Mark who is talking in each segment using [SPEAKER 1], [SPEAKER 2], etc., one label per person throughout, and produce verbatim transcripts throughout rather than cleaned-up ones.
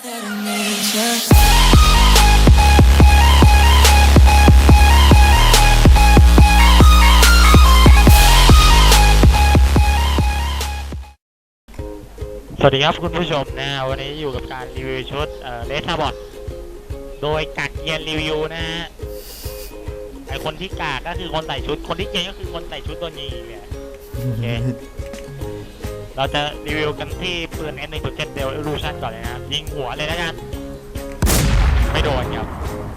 [SPEAKER 1] สวัสดีครับคุณผู้ชมนะวันนี้อยู่กับการรีวิวชุดเอ่อเลสบอทโดยกากเกียนรีวิวนะฮะไอคนที่กากก็คือคนใส่ชุดคนที่เกียนก็คือคนใส่ชุดตัวนี้เนี่ยโอเคเราจะรีวิวกันที่ปืน เอ็ม หนึ่งจุดเจ็ด Dell Evolution ก่อนเลยนะครับยิงหัวเลยแล้วกันไม่โดนครับ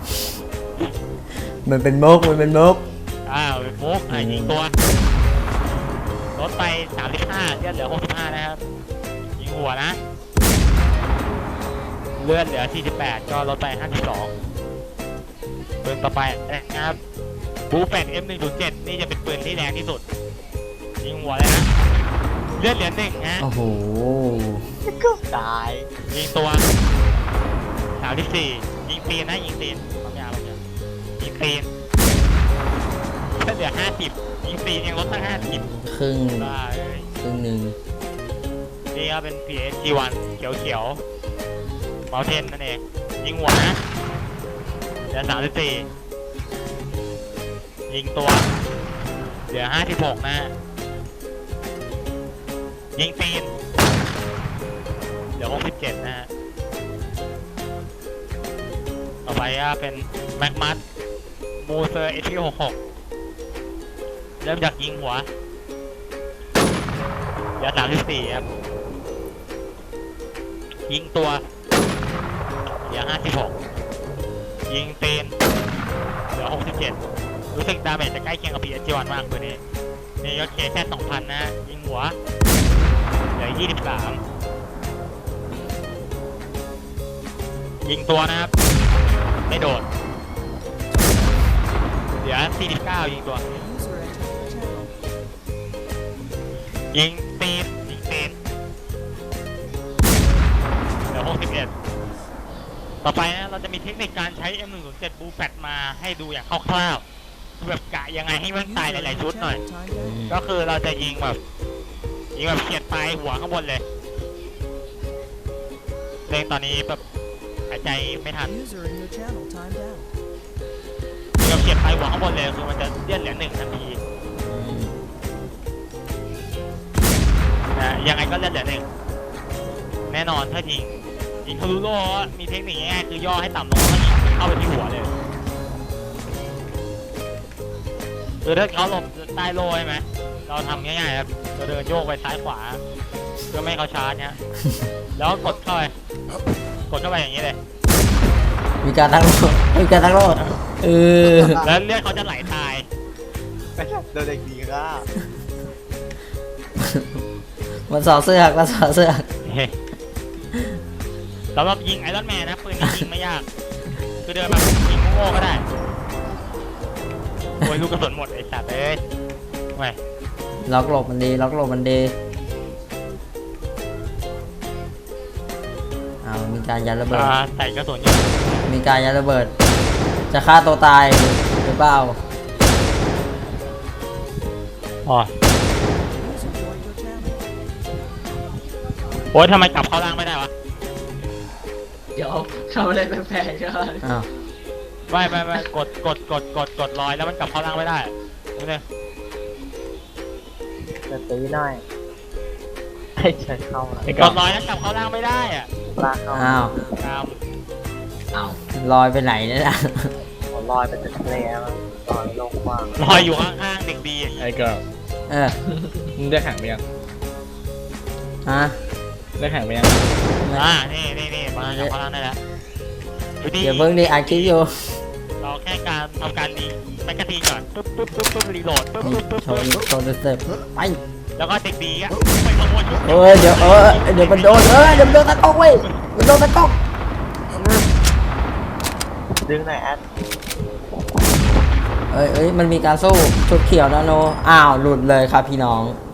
[SPEAKER 2] มันเป็นมุกมันเป็นมุก
[SPEAKER 1] อ้าวเป็นมุกอ่ะยิงตัวลดไปสามสิบห้าเลือดเหลือหกสิบห้านะครับยิงหัวนะเลือดเหลือสี่สิบแปดก็ลดไปห้าสิบสองปืนต่อไปนะครับบูแฟก เอ็ม หนึ่งจุดเจ็ด นี่จะเป็นปืนที่แรงที่สุดยิงหัวเลยนะเลือดเหลือหนึ่งฮะ
[SPEAKER 2] โอ้โห
[SPEAKER 1] ก็ตายยิงตัวสามสิบสี่ยิงตีนนะยิงตีนความยาวเลยยิงตีนเลือดเหลือห้าสิบยิงตีนยังลดตั้งห้าสิบ
[SPEAKER 2] ครึ่ง
[SPEAKER 1] ได้
[SPEAKER 2] ครึ่งหนึ่ง
[SPEAKER 1] นี่ก็เป็น พี เอส จี วัน เขียวเขียวเมาเทนนั่นเองยิงหัวนะเหลือสามสิบสี่ยิงตัวเหลือห้าสิบหกนะยิงตีนเหลือหกสิบเจ็ดนะฮะต่อไปก็เป็นแม็กมัสมูเซอร์ เอช พี หกสิบหกเริ่มจากยิงหัวเหลือสามสิบสี่ครับยิงตัวเหลือห้าสิบหกยิงตีนเหลือหกสิบเจ็ดรู้สึกดาเมจจะใกล้เคียงกับ พี เอส จี วัน มากตัวนี้นี่ก็เคแค่สองพันนะยิงหัวเหลือยี่สิบสามยิงตัวนะครับไม่โดดเหลือสี่สิบเก้ายิงตัวยิงตีนยิงตีนเหลือหกสิบเอ็ดต่อไปนะเราจะมีเทคนิคการใช้ เอ็ม หนึ่งจุดเจ็ด Blue Fat มาให้ดูอย่างคร่าวๆแบบกะยังไงให้มันตายหลายๆชุดหน่อยก็คือเราจะยิงแบบยิงแบบเฉียดปลายหัวข้างบนเลยเร่งตอนนี้แบบหายใจไม่ทันยิงแบบเฉียดปลายหัวข้างบนเลยคือมันจะเลื่อนเหลือหนึ่งทันทีนะยังไงก็เลื่อนเหลือหนึ่งแน่นอนถ้ายิงยิงทะลุโล่มีเทคนิคง่ายคือย่อให้ต่ำลงแล้วยิงเข้าไปที่หัวเลยคือถ้าเขาหลบใต้โล่ใช่ไหมเราทำง่ายๆครับเราเดินโยกไปซ้ายขวาเพื่อไม่ให้เขาชาร์จเนี่ยแล้วกดเข้าไปกดเข้าไปอย่างนี้เลย
[SPEAKER 2] มีการตั้งโล่มีการตั้งโล่เออ
[SPEAKER 1] แล้วเลือดเขาจะไหลตาย
[SPEAKER 3] โดนเด็กดีก็
[SPEAKER 2] มันสอดเสื้อมันสอดเสื้อ
[SPEAKER 1] สำหรับยิงไอรอนแมนนะปืนนี้ยิงไม่ยากคือเดินมายิงโง่ก็ได้โอ้ยลูกกระสุนหมดไอ้สัตว์เอ้ยไม่
[SPEAKER 2] ล็อกหลบมันดีล็อกหลบมันดีเอามีการยัดระเบิด
[SPEAKER 1] ใส่กระสุนอยู่
[SPEAKER 2] มีการยัดระเบิดจะฆ่าตัวตายหรือเปล่า
[SPEAKER 1] อ๋อโอ้ยทำไมกลับเข้าล่างไม่ได้วะ
[SPEAKER 3] เดี๋ยวทำอะไรแปลกๆกัน
[SPEAKER 2] อ้าว
[SPEAKER 1] ไม่ไม่ไม่กดกดกดกดกดลอยแล้วมันกลับเข้าล่างไม่ได้ดูเลย
[SPEAKER 3] จะตีหน่อยให้เชิญเข้าก
[SPEAKER 1] ดลอยแล้วกลับเข้าล่างไม่ได้อ่ะ
[SPEAKER 3] ลากเข้า
[SPEAKER 2] อ้าว
[SPEAKER 3] อ้าว
[SPEAKER 2] ลอยไปไหนเนี่ยนะ
[SPEAKER 3] ลอยไปจะทะเลลอยลงกว้าง
[SPEAKER 1] ลอยอยู่ข้างๆเด็กดี
[SPEAKER 4] ไอ้ก็
[SPEAKER 2] เออ
[SPEAKER 4] มึงได้แข่งไปยัง
[SPEAKER 2] ฮะ
[SPEAKER 4] ได้แข่งไปยัง
[SPEAKER 1] อ่านี่นี่นี่มาจากพลังได้แล้ว
[SPEAKER 2] เดี๋ยวเพิ่งดีอัดคลิปอยู่
[SPEAKER 1] เราแค่การทำการดีแมกกาซีนก่อนปุ๊บปุ๊บปุ๊บปุ๊บรีโหลดปุ๊บปุ๊บปุ๊บ
[SPEAKER 2] โชว์โชว์เต็มไป
[SPEAKER 1] แล้วก็เด็กดีอ่ะไปขโมยชุด
[SPEAKER 2] เออเดี๋ยวเออเดี๋ยวมันโดนเออเดี๋ยวมันโดนตะก๊อกเว้ยมันโดนตะก๊อก
[SPEAKER 3] ดึงหน่อยแอด
[SPEAKER 2] เอ้ยเอ้ยมันมีการสู้ชุดเขียวนะโนอ้าวหลุดเลยครับพี่น้อง